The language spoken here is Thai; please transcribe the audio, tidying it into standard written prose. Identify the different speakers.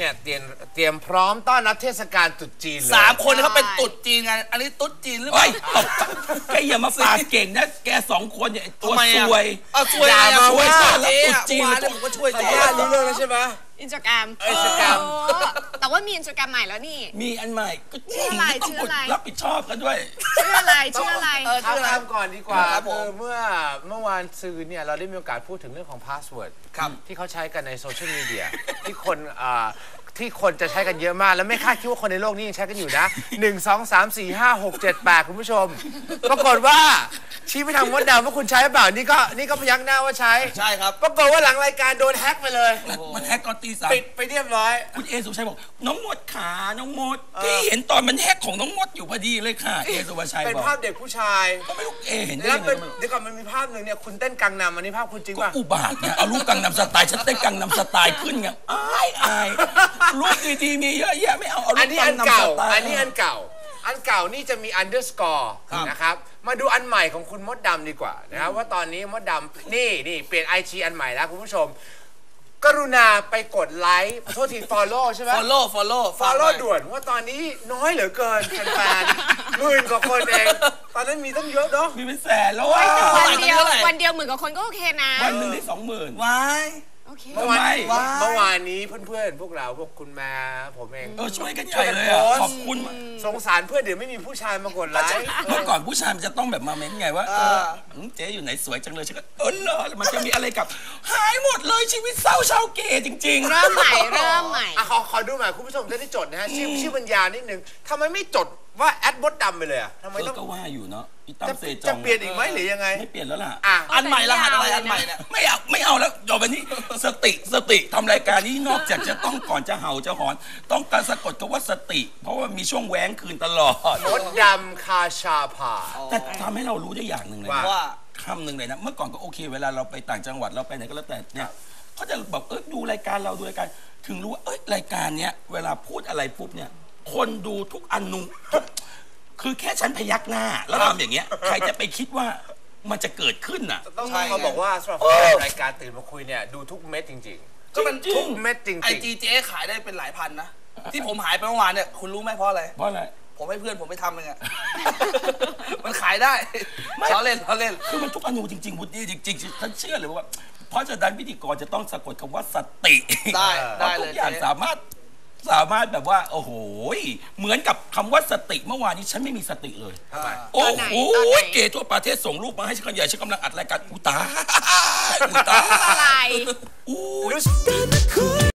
Speaker 1: เนี่ยเตรียมพร้อมต้อนรับเทศกาลตรุษจีนเลย
Speaker 2: 3 คนเขาเป็นตรุษจีนไงอันนี้ตรุษจีนหรือเปล่า
Speaker 3: แกอย่ามาปากเก่งนะแก2 คนเนี่ยตัวซวย
Speaker 2: ช่วยอะไร
Speaker 3: ช่วยต้อนรับตรุษจีน
Speaker 2: ผมก็ช่วย
Speaker 1: เจ๊รู้เรื่องแล้วใช่ไหม
Speaker 4: อินสตาแกรมแต่ว่ามีอินสตาแกรมใหม่แล้วนี่
Speaker 3: มีอันใหม่ก็
Speaker 4: ชื่ออะไร
Speaker 3: ต้องรับผิดชอบกันด้วย
Speaker 4: ชื่ออะไร
Speaker 1: ถามก่อนดีกว่าเมื่อวานซืนเนี่ยเราได้มีโอกาสพูดถึงเรื่องของพาสเวิร์ดที่เขาใช้กันในโซเชียลมีเดียที่คนจะใช้กันเยอะมากแล้วไม่คาดคิดว่าคนในโลกนี้ยังใช้กันอยู่นะ1 2 3 4 5 6 7 8คุณผู้ชมปรากฏว่าชี้ไปทางมดดำว่าคุณใช้เปล่านี่ก็พยักหน้าว่าใช่
Speaker 2: ครับ
Speaker 1: ปรากฏว่าหลังรายการโดนแฮ็กไปเลย
Speaker 3: มันแฮ็กตอนตี 3
Speaker 1: ปิดไปเรียบร้อย
Speaker 3: คุณเอสุภาชัยบอกน้องมดขาน้องมดที่เห็นตอนมันแฮ็กของน้องมดอยู่พอดีเลยค่ะเอสุภาชัย
Speaker 1: เป็นภาพเด็กผู้ชาย
Speaker 3: ก็ไม่รู้เอเห็นได้
Speaker 1: ยังไงเดี๋ยวก่อนมันมีภาพหนึ่งเนี่ยคุณเต้นกังนำอันนี้ภาพคุณจริงป่ะ
Speaker 3: อุบาทเนี่ยเอารูปกังนำสไตล์ฉันเต้นกังนำสไตล์ขึ้นไงอายรูปดีๆมีเยอะแยะไม่เอารูปกังนำสไตล์
Speaker 1: อันนี้อันเก่านี่จะมีอันเดอร์สกอร์นะครับมาดูอันใหม่ของคุณมดดำดีกว่านะครับว่าตอนนี้มดดำนี่เปลี่ยน IG อันใหม่แล้วคุณผู้ชมกรุณาไปกดไลค์โทษที follow ใช่ไหม follow ด่วนว่าตอนนี้น้อยเหลือเกินแฟนๆ10,000 กว่าคนเองตอนนั้นมีตั้งเยอะเนาะ
Speaker 3: มีเป็นแสนแล้ว
Speaker 4: วันเดียว10,000 กว่าคนก็โอเคนะ
Speaker 3: วันหนึ่งได้20,000
Speaker 2: ว้าย
Speaker 1: เมื่อวานนี้เพื่อนๆพวกเราพวกคุณแม่ผมเอง
Speaker 3: ช่วยกันใหญ่เลยขอบคุณ
Speaker 1: สงสารเพื่อนเดี๋ยวไม่มีผู้ชายมากดไลค์
Speaker 3: เมื่อก่อนผู้ชายมันจะต้องแบบมาเม้นไงว่าเจ๊อยู่ไหนสวยจังเลยฉันก็เหรอมันจะมีอะไรกับหายหมดเลยชีวิตเศร้าชาวเกย์จริงๆ
Speaker 4: เริ่มใหม่
Speaker 1: ขอดูใหม่คุณผู้ชมจะได้จดนะฮะชื่อบรรยานิดนึงทำไมไม่จดว่าแอดมดดำไปเลยอ่ะทำไมต้อง
Speaker 3: ก็ว่าอยู่เนาะ
Speaker 1: จะเปลี่ยนอีกไหมหรือยังไง
Speaker 3: ไม่เปลี่ยนแล้วล่ะ
Speaker 2: อันใหม่รหัสอะไรอันใหม่เนี่ย
Speaker 3: ไม่เอาแล้วต่อไปนี้สติทำรายการนี้นอกจากจะต้องก่อนจะเห่าจะหอนต้องการสะกดคำว่าสติเพราะว่ามีช่วงแหวงคืนตลอด
Speaker 1: มดดำคาชาพา
Speaker 3: แต่ทำให้เรารู้ได้อย่างหนึ่งเลยว่าคำหนึ่งเลยนะเมื่อก่อนก็โอเคเวลาเราไปต่างจังหวัดเราไปไหนก็แล้วแต่เนี่ยเขาจะบอกดูรายการเราดูรายการถึงรู้ว่ารายการเนี้ยเวลาพูดอะไรปุ๊บเนี่ยคนดูทุกอนุคือแค่ฉันพยักหน้าแล้วทำอย่างเงี้ยใครจะไปคิดว่ามันจะเกิดขึ้นน่ะ
Speaker 1: ต้องเขาบอกว่าสำหรับรายการตื่นมาคุยเนี่ยดูทุกเม็ดจริงๆ
Speaker 2: ก็มัน
Speaker 1: ทุกเม็ดจริงๆ
Speaker 2: IG เจ๊ขายได้เป็นหลายพันนะที่ผมหายไปเมื่อวานเนี่ยคุณรู้ไหมเพราะอะไรผมให้เพื่อนผมไปทำเองอะมันขายได้เขาเล่น
Speaker 3: คือมันทุกอนุจริงๆวุฒิจริงๆฉันเชื่อเลยว่าเพราะฉะนั้นพิธีกรจะต้องสะกดคำว่าสติ
Speaker 2: ได้
Speaker 3: ทุกอย่างสามารถแบบว่าโอ้โหเหมือนกับคำว่าสติเมื่อวานนี้ฉันไม่มีสติเลยโอ้โหเกย์ทั่วประเทศส่งรูปมาให้ฉันใหญ่ฉันกำลังอัดรายการอุตาอะไร